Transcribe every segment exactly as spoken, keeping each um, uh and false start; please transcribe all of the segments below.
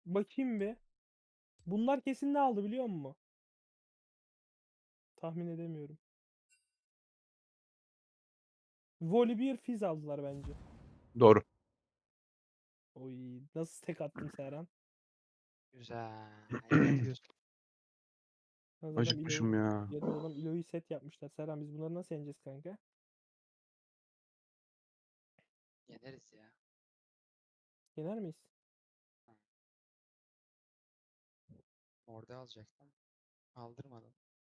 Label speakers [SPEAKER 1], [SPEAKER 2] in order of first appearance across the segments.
[SPEAKER 1] Bakayım bir. Bunlar kesin ne aldı biliyor musun? Tahmin edemiyorum. Volibear Fizz aldılar bence.
[SPEAKER 2] Doğru.
[SPEAKER 1] Oy, nasıl tek attım Serhan?
[SPEAKER 3] Güzel. Yapıyorsun.
[SPEAKER 1] Yalnız adam Ilo,
[SPEAKER 2] Acıkmışım ya.
[SPEAKER 1] yalnız adam Ilo'yu set yapmışlar. Serhan biz bunları nasıl yeneceğiz kanka?
[SPEAKER 3] Yeneriz ya.
[SPEAKER 1] Yener miyiz?
[SPEAKER 3] Orada alacaktım. Aldırmadım.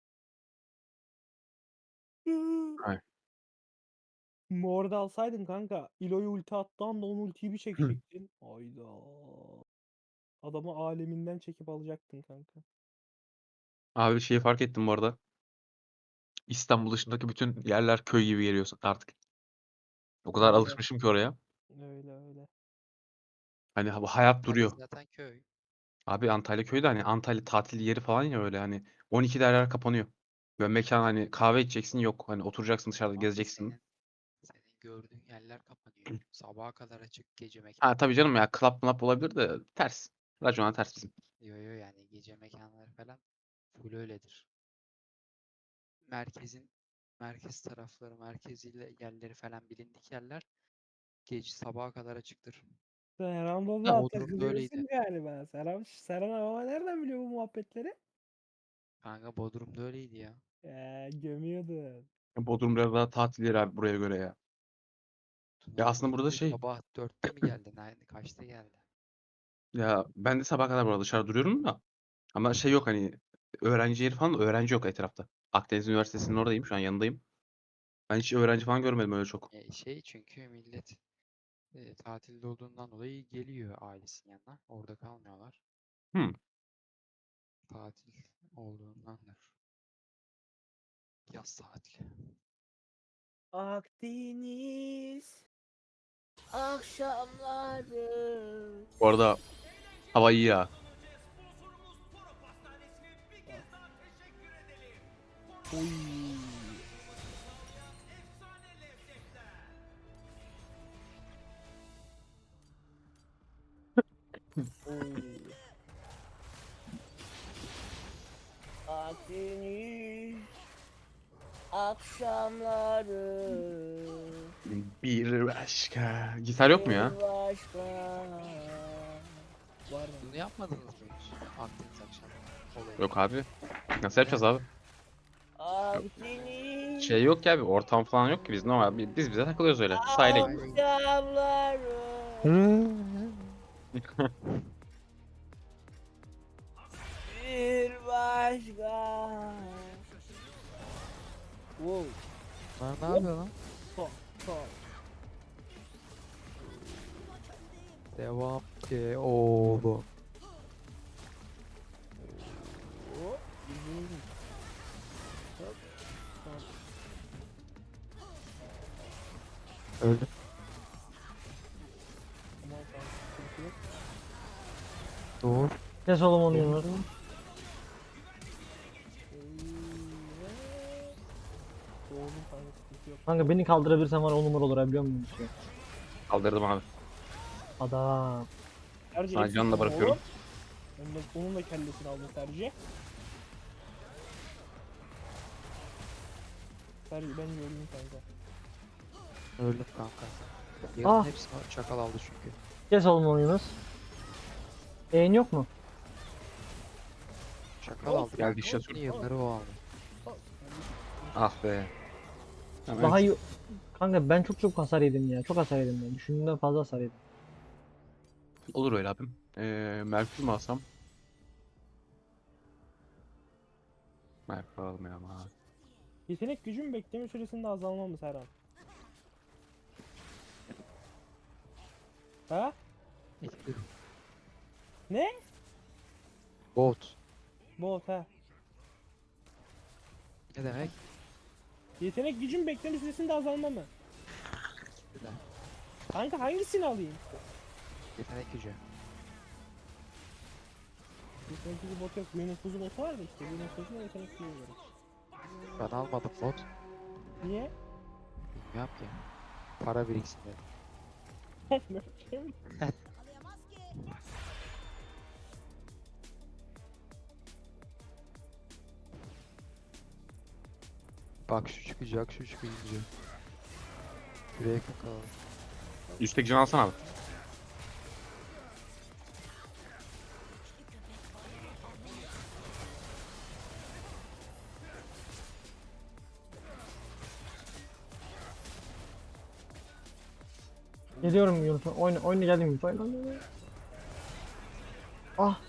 [SPEAKER 2] Ay.
[SPEAKER 1] Morda alsaydın kanka. Ilo'yu ulti attığı anda onun ultiyi bir çekecektin. Hayda. Adamı aleminden çekip alacaktın kanka.
[SPEAKER 2] Abi şeyi fark ettim bu arada. İstanbul dışındaki bütün yerler köy gibi geliyor artık. O kadar
[SPEAKER 1] Öyle.
[SPEAKER 2] alışmışım ki oraya.
[SPEAKER 1] Öyle öyle.
[SPEAKER 2] Hani ha- bu hayat
[SPEAKER 3] Antalya
[SPEAKER 2] duruyor.
[SPEAKER 3] zaten köy.
[SPEAKER 2] Abi Antalya köyü de hani Antalya tatil yeri falan ya öyle hani on ikide her yer kapanıyor. Böyle mekan hani kahve içeceksin yok. Hani oturacaksın dışarıda
[SPEAKER 3] Abi
[SPEAKER 2] gezeceksin.
[SPEAKER 3] senin senin gördüğün yerler kapanıyor. Sabaha kadar açık gece
[SPEAKER 2] Ha tabii
[SPEAKER 3] mekanları.
[SPEAKER 2] canım ya club mlap olabilir de ters. Racona ters bizim.
[SPEAKER 3] Yo yo yani gece mekanları falan full öyledir. Merkezin merkez tarafları, merkeziyle yerleri falan bilindik yerler gece sabaha kadar açıktır.
[SPEAKER 1] Serhan
[SPEAKER 2] Ya,
[SPEAKER 1] baba
[SPEAKER 3] Bodrum da öyleydi.
[SPEAKER 1] takılıyorsun galiba. Serhan, Serhan baba nereden biliyor bu muhabbetleri?
[SPEAKER 3] Kanka Bodrum da öyleydi ya.
[SPEAKER 1] Eee gömüyordun.
[SPEAKER 2] Bodrum biraz daha tatil yeri abi buraya göre ya. Ya
[SPEAKER 3] Tuna'nın
[SPEAKER 2] aslında burada
[SPEAKER 3] gittiği
[SPEAKER 2] şey
[SPEAKER 3] sabah dörtte mi geldi? Nerede? Kaçta geldi?
[SPEAKER 2] ya ben de sabah kadar burada dışarı duruyorum da ama şey yok hani öğrenci yeri falan da öğrenci yok etrafta. Akdeniz Üniversitesi'nin oradayım şu an yanındayım. Ben hiç öğrenci falan görmedim öyle çok.
[SPEAKER 3] E, şey çünkü millet e, tatilde olduğundan dolayı geliyor ailesinin yanına. Orada kalmıyorlar.
[SPEAKER 2] Hmm.
[SPEAKER 3] Tatil olduğundandır. Yaz tatili.
[SPEAKER 1] Akdeniz akşamları.
[SPEAKER 2] Bu arada hava iyi ya.
[SPEAKER 1] Oy. Oy. Akdeniz akşamları
[SPEAKER 2] Bir başka. Gitar yok mu ya?
[SPEAKER 1] bir başka. Var mı?
[SPEAKER 3] Bunu yapmadınız mı hiç? Akdeniz akşamı olayı.
[SPEAKER 2] Yok abi. Nasıl yapacağız
[SPEAKER 3] Neden?
[SPEAKER 2] abi? Yok.
[SPEAKER 1] Akdeniz
[SPEAKER 2] Şey yok ki abi ortam falan yok ki biz normal bi- biz bize takılıyoruz öyle. Sahile
[SPEAKER 3] Sahile
[SPEAKER 2] gidiyoruz.
[SPEAKER 3] gidiyor.
[SPEAKER 1] akşamları bir başka. Wow.
[SPEAKER 3] Lan ne yapıyor lan?
[SPEAKER 1] Top, top.
[SPEAKER 3] Devam ki oğlum.
[SPEAKER 1] Hop. Yürüyorum. Hop, hop.
[SPEAKER 3] Öldü.
[SPEAKER 1] Aman tanrım, sıkıntı yok.
[SPEAKER 3] Doğru.
[SPEAKER 4] Kes oğlum onu Yunus.
[SPEAKER 1] Eyvah. Doğdum kanka, sıkıntı yok.
[SPEAKER 4] Kanka beni kaldırabilirsen var on numara olur ha biliyor musun? Şey.
[SPEAKER 2] Kaldırdım abi.
[SPEAKER 4] Adam.
[SPEAKER 1] Serci
[SPEAKER 2] Sana
[SPEAKER 1] eksik
[SPEAKER 2] canla
[SPEAKER 1] ama
[SPEAKER 2] bırakıyorum.
[SPEAKER 1] oğlum. Onun da, onun da kellesini aldın Serci. Serci ben gördüm kanka.
[SPEAKER 3] Öldüm kanka. Yarın
[SPEAKER 4] Ah.
[SPEAKER 3] hepsini çakal aldı çünkü.
[SPEAKER 4] Kes oğlum onu Yunus. Eğin yok mu?
[SPEAKER 3] Çakal
[SPEAKER 1] Of,
[SPEAKER 3] aldı
[SPEAKER 2] geldi
[SPEAKER 3] kanka.
[SPEAKER 2] işte
[SPEAKER 3] Bütün
[SPEAKER 2] tur.
[SPEAKER 3] yılları o aldı.
[SPEAKER 1] Bak,
[SPEAKER 2] Ah be. Tamam,
[SPEAKER 4] Daha
[SPEAKER 2] evet.
[SPEAKER 4] iyi. Kanka ben çok çok hasar yedim ya. Çok hasar yedim ya. Düşündüğümden fazla hasar yedim.
[SPEAKER 2] Olur öyle abim. Ee, Merkür mü alsam? Merkür almayalım abi.
[SPEAKER 1] yetenek gücün bekleme süresinde azalma mı Serhan? Ha?
[SPEAKER 3] Etkili.
[SPEAKER 1] Ne?
[SPEAKER 3] Bot.
[SPEAKER 1] Bot ha.
[SPEAKER 3] Ne demek?
[SPEAKER 1] Yetenek gücün bekleme süresinde azalma mı?
[SPEAKER 3] İkisi de.
[SPEAKER 1] Kanka hangisini alayım?
[SPEAKER 3] Yetenek gücü.
[SPEAKER 1] Yetenek gücü bot yok. Büyünün kuzu botu var da işte. Büyünün kuzuna yetenek gücü veriyoruz.
[SPEAKER 3] Ben almadım bot.
[SPEAKER 1] Niye?
[SPEAKER 3] Bilmiyorum ki. Para biriksin dedim. Bak şu çıkacak, şu çıkacak. Şuraya yakın kalalım.
[SPEAKER 2] Üstteki can alsana abi.
[SPEAKER 4] Geliyorum Yunus. Oyna, oyna geldim Yunus. Oyna, oyna, oyna. Ah.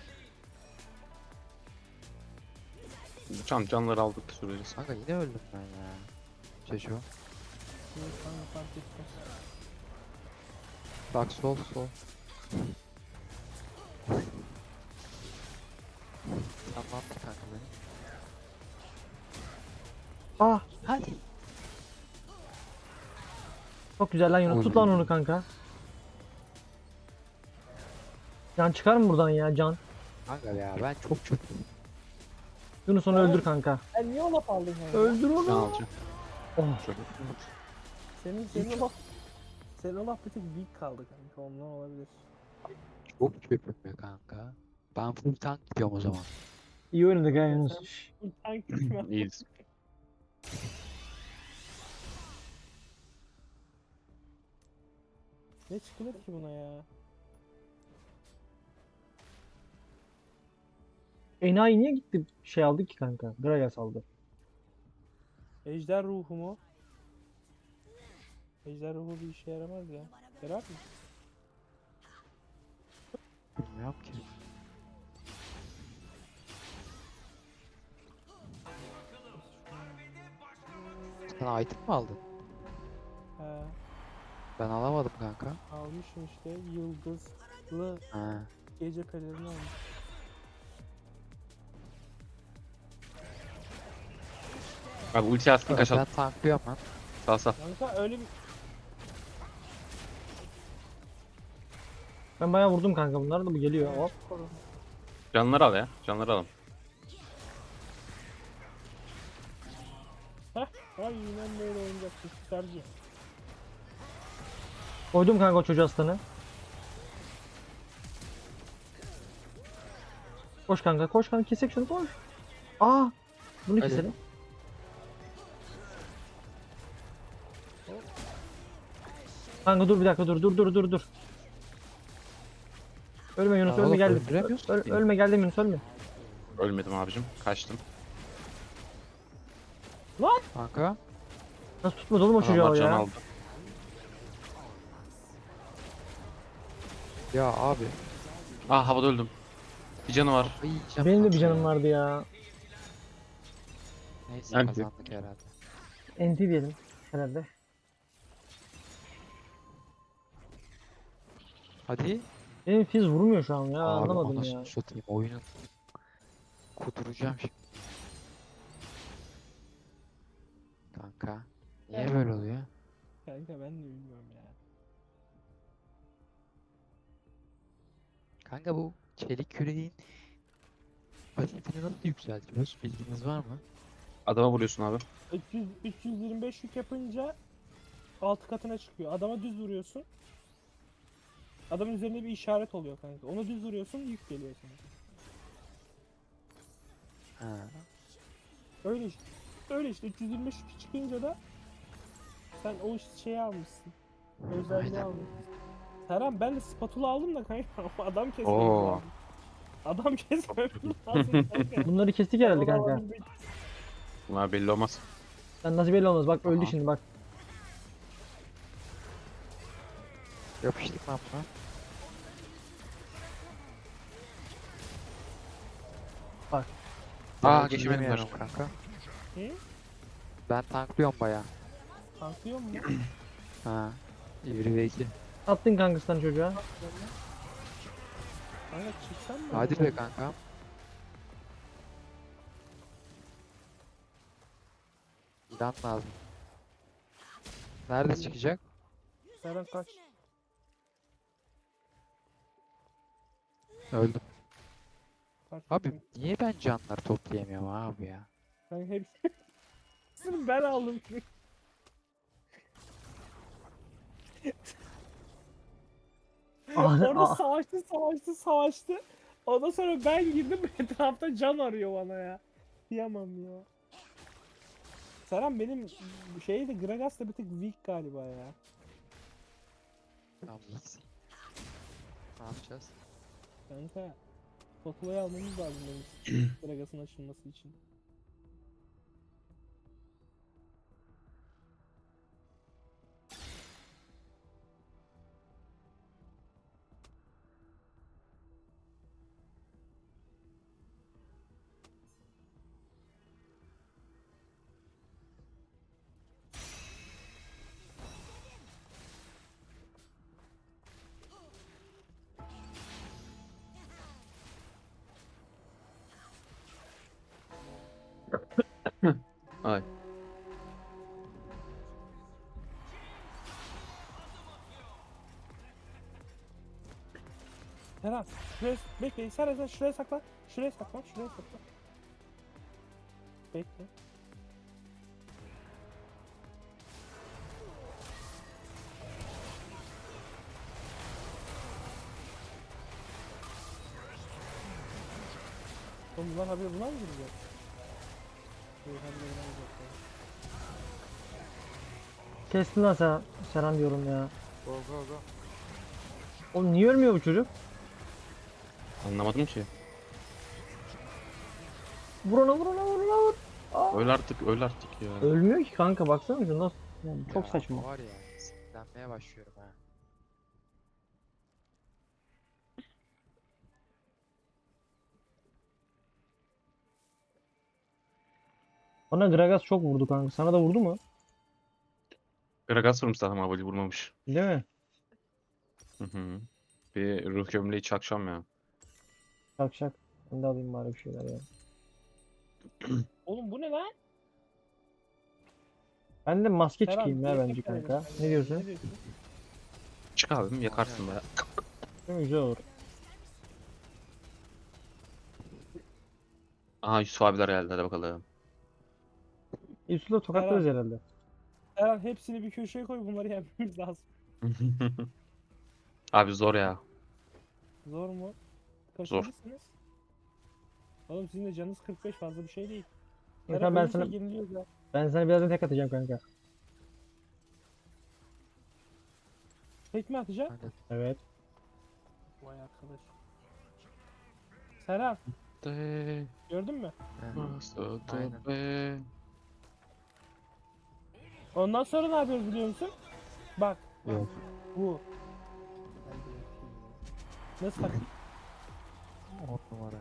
[SPEAKER 2] Can, canları aldık süreriz.
[SPEAKER 3] Kanka yine öldüm ben ya. Çocuğum.
[SPEAKER 1] Yok kanka fark etmez.
[SPEAKER 3] Bak sol sol. Sen ne yaptın kanka beni?
[SPEAKER 4] Ah.
[SPEAKER 3] Hadi.
[SPEAKER 4] Çok güzel lan Yunus. Tut lan onu kanka. Can çıkar mı buradan ya Can?
[SPEAKER 3] Kanka ya ben çok çok.
[SPEAKER 4] Yunus onu öldür kanka.
[SPEAKER 1] Sen niye o laf aldın kanka?
[SPEAKER 4] Öldür
[SPEAKER 2] Can
[SPEAKER 4] onu.
[SPEAKER 2] alacağım.
[SPEAKER 4] Oh.
[SPEAKER 2] Çok.
[SPEAKER 1] Senin, senin o laf... Senin o laf bir tek weak kaldı kanka. Ondan olabilir.
[SPEAKER 3] Çok köpüm be kanka. Ben full tank gidiyorum o zaman.
[SPEAKER 4] İyi oynadık ha Yunus. Şş.
[SPEAKER 1] Bu tank gitme.
[SPEAKER 2] İyiyiz.
[SPEAKER 1] Ne çıkılır ki buna ya?
[SPEAKER 4] Enayi niye gitti şey aldı ki kanka? Gragas aldı.
[SPEAKER 1] Ejder ruhu mu? Ejder ruhu bir işe yaramaz ya. Yarar mı?
[SPEAKER 3] Bilmiyorum ki. Sen item mi aldın?
[SPEAKER 1] He,
[SPEAKER 3] Ben alamadım kanka.
[SPEAKER 1] almışım işte yıldızlı
[SPEAKER 3] Ha.
[SPEAKER 1] gece pelerini almış.
[SPEAKER 2] Abi ulti atsın
[SPEAKER 3] Ben
[SPEAKER 2] kaçalım.
[SPEAKER 3] tanklıyorum lan.
[SPEAKER 2] Sağ sağ.
[SPEAKER 1] Kanka öyle bir...
[SPEAKER 4] Ben bayağı vurdum kanka bunlar da bu geliyor. Hop.
[SPEAKER 2] Canları al ya. Canları alalım.
[SPEAKER 1] Heh, aynen böyle oynayacaksın. Çıkarcı.
[SPEAKER 4] Koydum kanka o çocuğu aslanı. Koş kanka koş kanka kesek şunu koş. Aa. Bunu
[SPEAKER 3] Hadi.
[SPEAKER 4] keselim. Kanka dur bir dakika dur dur dur dur dur. Ölme Yunus
[SPEAKER 3] Ya
[SPEAKER 4] ölme
[SPEAKER 3] oğlum,
[SPEAKER 4] geldim.
[SPEAKER 3] öldüremiyorsun
[SPEAKER 4] Öl-
[SPEAKER 3] ki.
[SPEAKER 4] ölme geldim Yunus ölme.
[SPEAKER 2] Ölmedim abicim. Kaçtım.
[SPEAKER 3] Kanka.
[SPEAKER 4] Nasıl tutmadı oğlum o çocuğu
[SPEAKER 2] Adamlar
[SPEAKER 4] o
[SPEAKER 2] can
[SPEAKER 4] ya.
[SPEAKER 2] aldı.
[SPEAKER 3] Ya abi.
[SPEAKER 2] Ah havada öldüm. Bir canı var.
[SPEAKER 3] Ay, yiyeceğim
[SPEAKER 4] Benim de bir
[SPEAKER 3] kanka
[SPEAKER 4] canım
[SPEAKER 3] ya.
[SPEAKER 4] vardı ya.
[SPEAKER 3] Neyse
[SPEAKER 2] Anti.
[SPEAKER 3] kazandık herhalde.
[SPEAKER 4] Enti diyelim herhalde.
[SPEAKER 3] Hadi.
[SPEAKER 4] Benim fiz vurmuyor şu an ya
[SPEAKER 3] Abi
[SPEAKER 4] anlamadım
[SPEAKER 3] anasını
[SPEAKER 4] ya.
[SPEAKER 3] satayım oyunun. Kuduracağım şimdi. Kanka. Niye
[SPEAKER 1] Evet.
[SPEAKER 3] böyle oluyor?
[SPEAKER 1] Kanka ben de bilmiyorum ya.
[SPEAKER 3] Kanka bu çelik küreğin pasifini nasıl yükseltiyoruz? Bilginiz var mı?
[SPEAKER 2] Adama vuruyorsun abi.
[SPEAKER 1] üç yüz, üç yüz yirmi beş yük yapınca altı katına çıkıyor. Adama düz vuruyorsun. Adamın üzerinde bir işaret oluyor kanka. Onu düz vuruyorsun yük geliyor sana.
[SPEAKER 3] Ha.
[SPEAKER 1] Öyle işte. Öyle işte üç yüz yirmi beş yük çıkınca da sen o şeyi almışsın. Özelliği
[SPEAKER 3] Aynen.
[SPEAKER 1] almışsın. Serhan ben de spatula aldım da kanka adam kesmem
[SPEAKER 2] Oo.
[SPEAKER 1] lazım. Adam kesmem lazım kanka.
[SPEAKER 4] Bunları kestik herhalde
[SPEAKER 1] Onu
[SPEAKER 4] kanka.
[SPEAKER 1] alabilmek-
[SPEAKER 2] Bunlar belli olmaz.
[SPEAKER 4] Sen nasıl belli olmaz bak öldü
[SPEAKER 3] Aha.
[SPEAKER 4] şimdi bak.
[SPEAKER 3] Yapıştık lan buna.
[SPEAKER 4] Bak.
[SPEAKER 3] Aa
[SPEAKER 2] Ben
[SPEAKER 3] geçemedim
[SPEAKER 2] geçemedim
[SPEAKER 3] kanka.
[SPEAKER 1] Hı?
[SPEAKER 3] Ben tanklıyorum baya.
[SPEAKER 1] Tanklıyor mu?
[SPEAKER 3] Ha. bir ve iki.
[SPEAKER 4] Attın kankasından çocuğa.
[SPEAKER 1] Kanka çıksan mı?
[SPEAKER 3] Hadi be kanka. İlan lazım. Nerede çıkacak?
[SPEAKER 1] Serhan kaç.
[SPEAKER 3] Öldüm.
[SPEAKER 1] kaç
[SPEAKER 3] Abi niye ben canlar toplayamıyorum abi ya?
[SPEAKER 1] Kanka hepsini ben aldım.
[SPEAKER 4] Ah,
[SPEAKER 1] Orada
[SPEAKER 4] ah.
[SPEAKER 1] savaştı savaştı savaştı. Ondan sonra ben girdim etrafta can arıyor bana ya. Diyemem ya. Serhan benim şey de Gragas da bir tık weak galiba ya.
[SPEAKER 3] Tamam X. Ne yapacağız?
[SPEAKER 1] Kanka Potulayı almamız lazım benim Gragas'ın açılması için.
[SPEAKER 2] Ay.
[SPEAKER 1] Serhan şuraya bekle. Serhan sen şuraya saklan. Şuraya saklan. Şuraya saklan. Bekle. Oğlum bunlar haberi buna mı girecek? Şey haberi buna mı girecek?
[SPEAKER 4] Kestin lan sen. Serhan diyorum ya.
[SPEAKER 3] Go go go.
[SPEAKER 4] Oğlum niye ölmüyor bu çocuk?
[SPEAKER 2] Anlamadım ki.
[SPEAKER 4] Vur ona vur ona vur ona vur. Aa.
[SPEAKER 2] Öl artık, öl artık ya.
[SPEAKER 4] Ölmüyor ki kanka baksana şu nasıl. Yani çok
[SPEAKER 3] Ya,
[SPEAKER 4] saçma.
[SPEAKER 3] Var ya sinirlenmeye başlıyorum ha.
[SPEAKER 4] Bana Gragas çok vurdu kanka. Sana da vurdu mu?
[SPEAKER 2] Gragas vurmuş zaten Mavali vurmamış.
[SPEAKER 4] Değil mi?
[SPEAKER 2] Hı hı. Bir ruh gömleği çakacağım ya.
[SPEAKER 4] Şak şak. Ben de alayım bari bir şeyler ya.
[SPEAKER 1] Oğlum bu ne lan?
[SPEAKER 4] Ben de maske
[SPEAKER 1] Serhan,
[SPEAKER 4] çıkayım ya
[SPEAKER 1] direkt
[SPEAKER 4] bence
[SPEAKER 1] tekrar
[SPEAKER 4] kanka.
[SPEAKER 1] edelim.
[SPEAKER 4] Ne diyorsun?
[SPEAKER 1] Ne diyorsun?
[SPEAKER 2] Çık abim yakarsın baya.
[SPEAKER 4] Değil mi? Güzel olur.
[SPEAKER 2] Aha Yusuf abiler geldi hadi bakalım.
[SPEAKER 4] Yusuf'la tokatlarız herhalde.
[SPEAKER 1] Serhan hepsini bir köşeye koy, bunları yenmemiz lazım.
[SPEAKER 2] Abi zor ya.
[SPEAKER 1] Zor mu?
[SPEAKER 2] Zor.
[SPEAKER 1] Kaçıncısınız? Oğlum sizin de canınız kırk beş, fazla bir şey değil.
[SPEAKER 4] Kanka
[SPEAKER 1] Serhan
[SPEAKER 4] ben
[SPEAKER 1] ölürse
[SPEAKER 4] sana
[SPEAKER 1] yeniliyoruz ya.
[SPEAKER 4] ben sana birazdan tek atacağım kanka.
[SPEAKER 1] Tek mi atacak?
[SPEAKER 3] Hadi.
[SPEAKER 4] Evet.
[SPEAKER 1] Vay arkadaş. Serhan
[SPEAKER 2] De,
[SPEAKER 1] gördün mü?
[SPEAKER 3] Heh.
[SPEAKER 2] nasıl
[SPEAKER 3] Aynen.
[SPEAKER 2] be.
[SPEAKER 1] Ondan sonra ne yapıyoruz biliyor musun? Bak
[SPEAKER 4] Yok.
[SPEAKER 1] bu. Nasıl taktik?
[SPEAKER 3] On numara.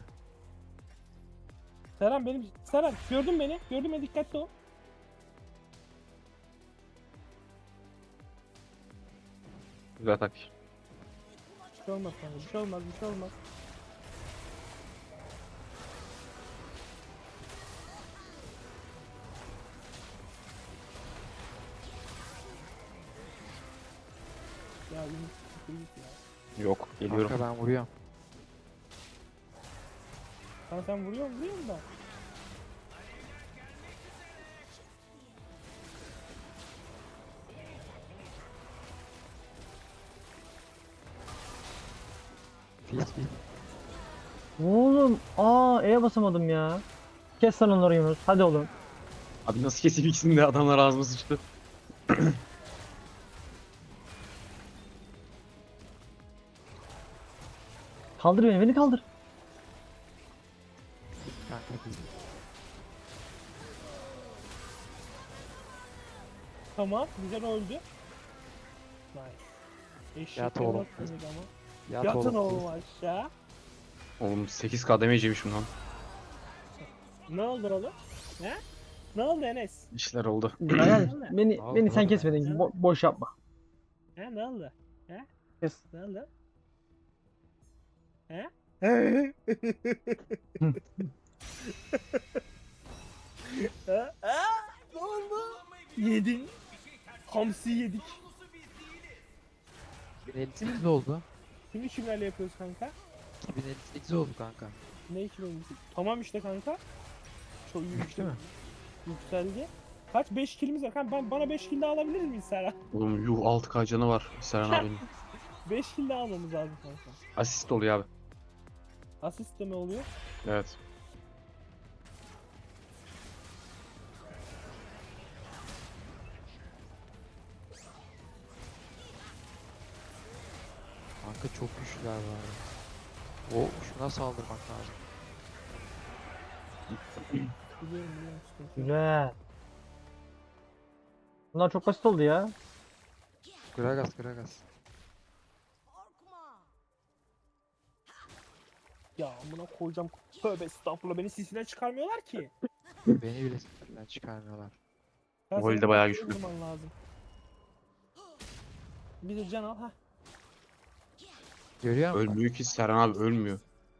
[SPEAKER 1] Serhan benim... Serhan gördün beni. Gördün beni, dikkatli ol.
[SPEAKER 2] Güzel taktik.
[SPEAKER 1] Bir şey olmaz kanka. Bir şey olmaz. Bir şey olmaz. Ya Ümit Ümit ya.
[SPEAKER 2] Yok geliyorum.
[SPEAKER 3] Kanka ben vuruyorum.
[SPEAKER 1] Sen sen vuruyor vuruyorsun da.
[SPEAKER 3] Fil fil.
[SPEAKER 4] Oğlum aa E'ye basamadım ya. Kes lan onları Yunus. Hadi oğlum.
[SPEAKER 2] Abi nasıl keseyim ikisini de adamlar ağzıma sıçtı.
[SPEAKER 4] Kaldır beni. Beni kaldır.
[SPEAKER 3] Kanka fil.
[SPEAKER 1] Tamam. Güzel öldü. Nice. Eşek
[SPEAKER 3] Yat oğlum.
[SPEAKER 1] olmaz mıydı ama.
[SPEAKER 3] Yat
[SPEAKER 1] Yatın
[SPEAKER 3] oğlum.
[SPEAKER 1] oğlum aşağı.
[SPEAKER 2] Oğlum sekiz K damage yemişim lan.
[SPEAKER 1] Ne oldu oğlum? He? Ne oldu Enes?
[SPEAKER 2] İşler oldu.
[SPEAKER 4] Aynen. Beni
[SPEAKER 3] Al,
[SPEAKER 4] beni sen
[SPEAKER 3] al.
[SPEAKER 4] kesmedin. Bo- boş yapma.
[SPEAKER 1] He ne oldu? He?
[SPEAKER 4] Kes.
[SPEAKER 1] Ne oldu? He? Ha? Ha? Ne oldu? Yedin. Hamsi yedik.
[SPEAKER 3] iki bin elli sekiz oldu.
[SPEAKER 1] Şimdi kimlerle yapıyoruz kanka?
[SPEAKER 3] iki bin elli sekiz oldu kanka.
[SPEAKER 1] Ne iki bin on sekiz? Tamam işte kanka. Çok iyi
[SPEAKER 3] Düştü mü?
[SPEAKER 1] Yükseldi. Kaç? beş kilimiz var. Kanka ben, bana beş kill daha alabilir miyiz Serhan?
[SPEAKER 2] Oğlum yuh altı K canı var Serhan abinin.
[SPEAKER 1] beş kill daha almamız lazım kanka.
[SPEAKER 2] Asist oluyor abi.
[SPEAKER 1] Asist de mi oluyor?
[SPEAKER 2] Evet.
[SPEAKER 3] Kanka çok güçlüler var. O şuna saldırmak lazım.
[SPEAKER 1] Biliyorum biliyorum sıkıntı yok.
[SPEAKER 4] Güzel. Bunlar çok basit oldu ya.
[SPEAKER 3] Gragas Gragas.
[SPEAKER 1] Ya amına koyacağım. Tövbe estağfurullah beni sisinden çıkarmıyorlar ki.
[SPEAKER 3] Beni bile sınırdan çıkarmıyorlar.
[SPEAKER 1] Ya
[SPEAKER 2] Voley
[SPEAKER 1] senin
[SPEAKER 2] de bayağı
[SPEAKER 1] başka
[SPEAKER 2] güçlü.
[SPEAKER 1] vurman lazım. Bir de can al ha.
[SPEAKER 3] Görüyor musun?
[SPEAKER 2] Ölmüyor ki Serhan abi, ölmüyor.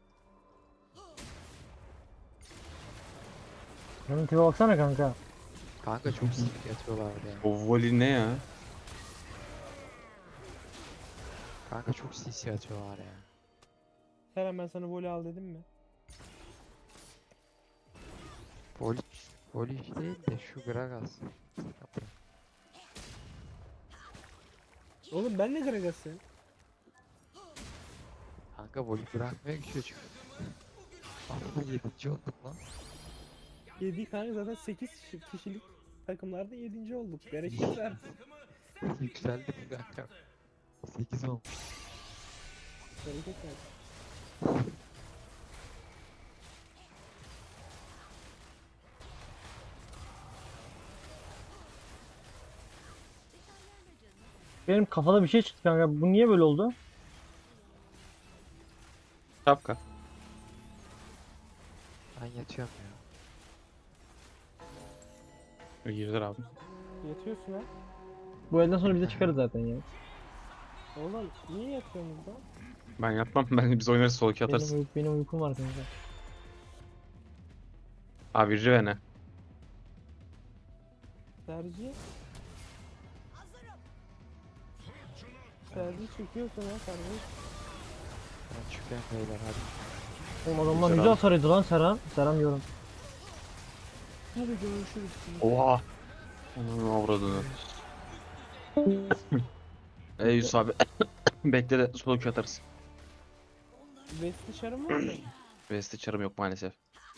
[SPEAKER 4] Benim tipe baksana kanka.
[SPEAKER 3] Kanka çok sinir yatıyorlar ya.
[SPEAKER 2] O volley ne ya?
[SPEAKER 3] Kanka çok sinsi atıyorlar ya.
[SPEAKER 1] Seren ben sana voley al dedim mi?
[SPEAKER 3] Voli, Voli değil de şu Gragas. Yapayım.
[SPEAKER 1] Oğlum ben ne Gragas'ım?
[SPEAKER 3] Kanka Voli bırakmıyor ki çocuk. Ama yedinci olduk lan.
[SPEAKER 1] yedi kanka zaten sekiz kişilik takımlarda yedinci olduk. Bereket versin.
[SPEAKER 3] Yükseldik kanka. sekiz olmuş.
[SPEAKER 1] Bereket versin.
[SPEAKER 4] Benim kafada bir şey çıktı kanka. Bu niye böyle oldu?
[SPEAKER 2] Şapka.
[SPEAKER 3] Ben yatıyorum ya.
[SPEAKER 2] Girdiler abi.
[SPEAKER 1] Yatıyorsun ha.
[SPEAKER 4] Bu elden sonra bize çıkarız zaten ya.
[SPEAKER 1] Oğlum niye yatıyorsun burada?
[SPEAKER 2] Ben yatmam. Ben biz oynarız, sol iki atarız.
[SPEAKER 4] Benim, uy- benim uykum var kanka.
[SPEAKER 2] Abi Riven'e.
[SPEAKER 1] Tercih. Tercih çekiyorsun ha kardeş.
[SPEAKER 3] Ben çıkıyorum beyler hadi.
[SPEAKER 4] Oğlum adamlar
[SPEAKER 2] Güzel
[SPEAKER 4] güzel
[SPEAKER 2] abi.
[SPEAKER 4] sarıydı lan Serhan. Serhan diyorum.
[SPEAKER 1] Hadi görüşürüz.
[SPEAKER 2] Oha. Onun avradını. Ey Yusuf abi. Bekle de sol iki atarız.
[SPEAKER 1] Vesti çarım var mı?
[SPEAKER 2] Vesti çarım yok maalesef.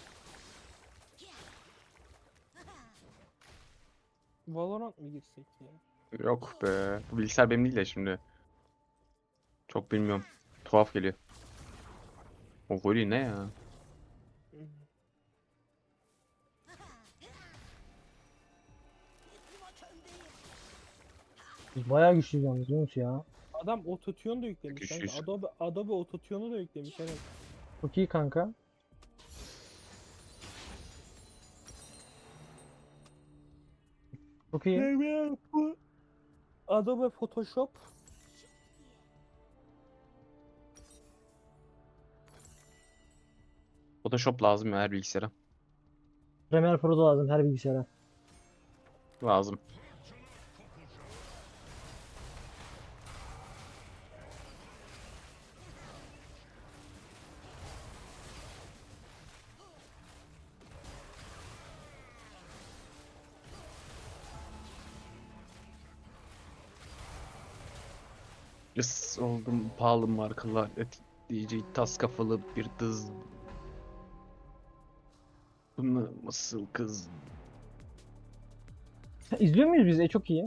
[SPEAKER 1] Valorant mı girsek ya?
[SPEAKER 2] Yok be. Bu bilgisayar benim değil de şimdi. Çok bilmiyorum. Tuhaf geliyor. O volley ne ya?
[SPEAKER 4] Biz bayağı güçlüyüz yalnız Yunus ya.
[SPEAKER 1] Adam ototune da yüklemiş kanka.
[SPEAKER 2] Güçlüyüz.
[SPEAKER 1] Adobe, Adobe ototune'u da yüklemiş evet.
[SPEAKER 4] Çok iyi kanka. Çok iyi.
[SPEAKER 1] Evet, bu Adobe Photoshop
[SPEAKER 2] Photoshop lazım ya her bilgisayara.
[SPEAKER 4] Premiere Pro da lazım her bilgisayara.
[SPEAKER 2] Lazım. Is oldum pahalı markalar etkileyici tas kafalı bir dız. Bunu nasıl kız?
[SPEAKER 4] Ha, İzliyor muyuz biz? E çok iyi.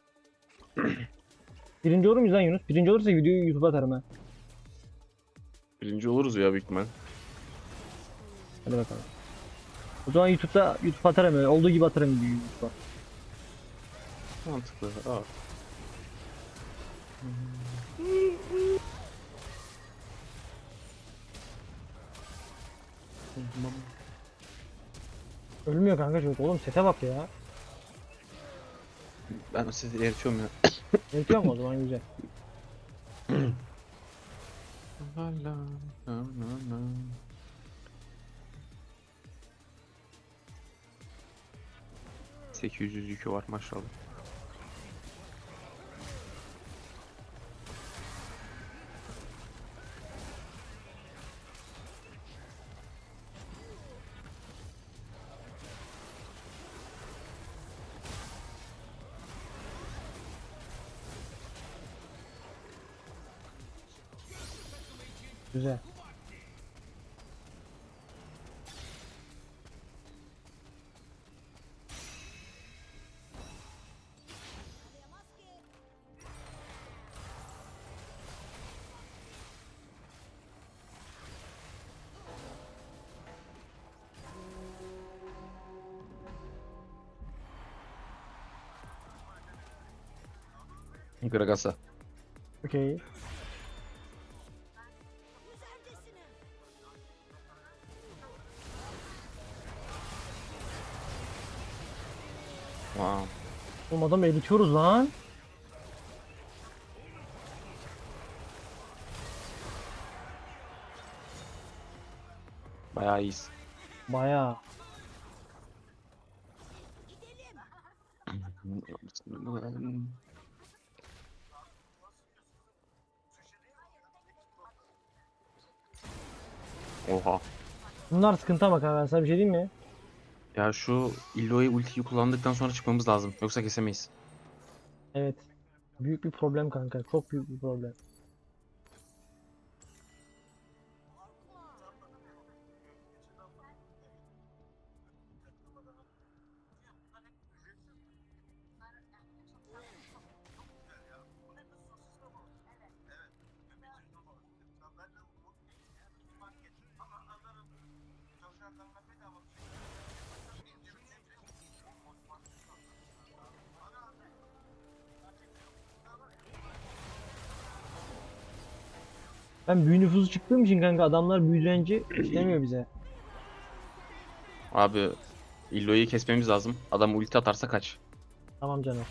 [SPEAKER 4] Birinci olur muyuz lan Yunus? Birinci olursa videoyu YouTube'a atarım ha.
[SPEAKER 2] Birinci oluruz ya büyük ihtimal.
[SPEAKER 4] Hadi bakalım. O zaman YouTube'da YouTube atarım öyle. Olduğu gibi atarım videoyu YouTube'a.
[SPEAKER 2] Mantıklı. Aa.
[SPEAKER 4] Ölmüyor kanka çocuk. Oğlum sete bak ya.
[SPEAKER 2] Ben sizi eritiyorum ya.
[SPEAKER 4] Eritiyor mu o zaman güzel.
[SPEAKER 2] sekiz yüz yükü var maşallah.
[SPEAKER 4] Güzel.
[SPEAKER 2] Gragas'a.
[SPEAKER 4] Okey.
[SPEAKER 2] Wow.
[SPEAKER 4] Oğlum adamı eritiyoruz lan.
[SPEAKER 2] Bayağı iyiyiz.
[SPEAKER 4] Bayağı.
[SPEAKER 2] Oha.
[SPEAKER 4] Bunlar sıkıntı ama kanka, ben sana bir şey diyeyim mi?
[SPEAKER 2] Ya şu Illoy ultiyi kullandıktan sonra çıkmamız lazım. Yoksa kesemeyiz.
[SPEAKER 4] Evet. Büyük bir problem kanka. Çok büyük bir problem. Ben büyü nüfusu çıktığım için kanka adamlar büyü direnci istemiyor bize.
[SPEAKER 2] Abi Illoy'u kesmemiz lazım. Adam ulti atarsa kaç.
[SPEAKER 4] Tamam canım.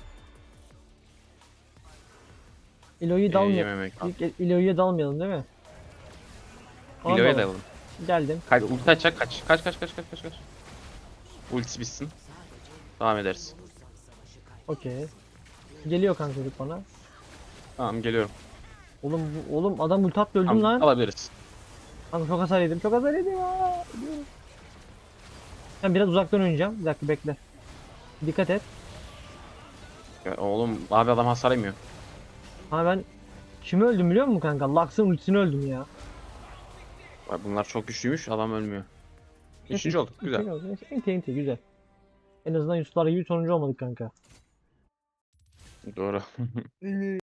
[SPEAKER 4] İlo'yu
[SPEAKER 2] Ee,
[SPEAKER 4] dalmayalım.
[SPEAKER 2] yememek lazım.
[SPEAKER 4] İlk İlo'ya dalmayalım değil mi? Ona
[SPEAKER 2] Illoy'a
[SPEAKER 4] dalalım.
[SPEAKER 2] dalalım.
[SPEAKER 4] Geldim.
[SPEAKER 2] Kaç, ulti açacak kaç. Kaç kaç kaç kaç kaç kaç. Ultisi bitsin. Devam ederiz.
[SPEAKER 4] Okey. Geliyor kanka çocuk bana.
[SPEAKER 2] Tamam geliyorum.
[SPEAKER 4] Oğlum bu- oğlum adam ulti attı, öldüm
[SPEAKER 2] Tamam,
[SPEAKER 4] lan.
[SPEAKER 2] alabiliriz.
[SPEAKER 4] Kanka çok hasar yedim. Çok hasar yedim. Aa, ölüyorum. Ben biraz uzaktan oynayacağım. Bir dakika bekle. Dikkat et.
[SPEAKER 2] Ya oğlum abi adam hasar yemiyor.
[SPEAKER 4] Ha ben kimi öldüm biliyor musun kanka? Lux'ın ultisini öldüm ya.
[SPEAKER 2] Bak bunlar çok güçlüymüş. Adam ölmüyor. Üçüncü olduk. Güzel.
[SPEAKER 4] Neyse, enti enti güzel. En azından Yusuflar gibi sonuncu olmadık kanka.
[SPEAKER 2] Doğru.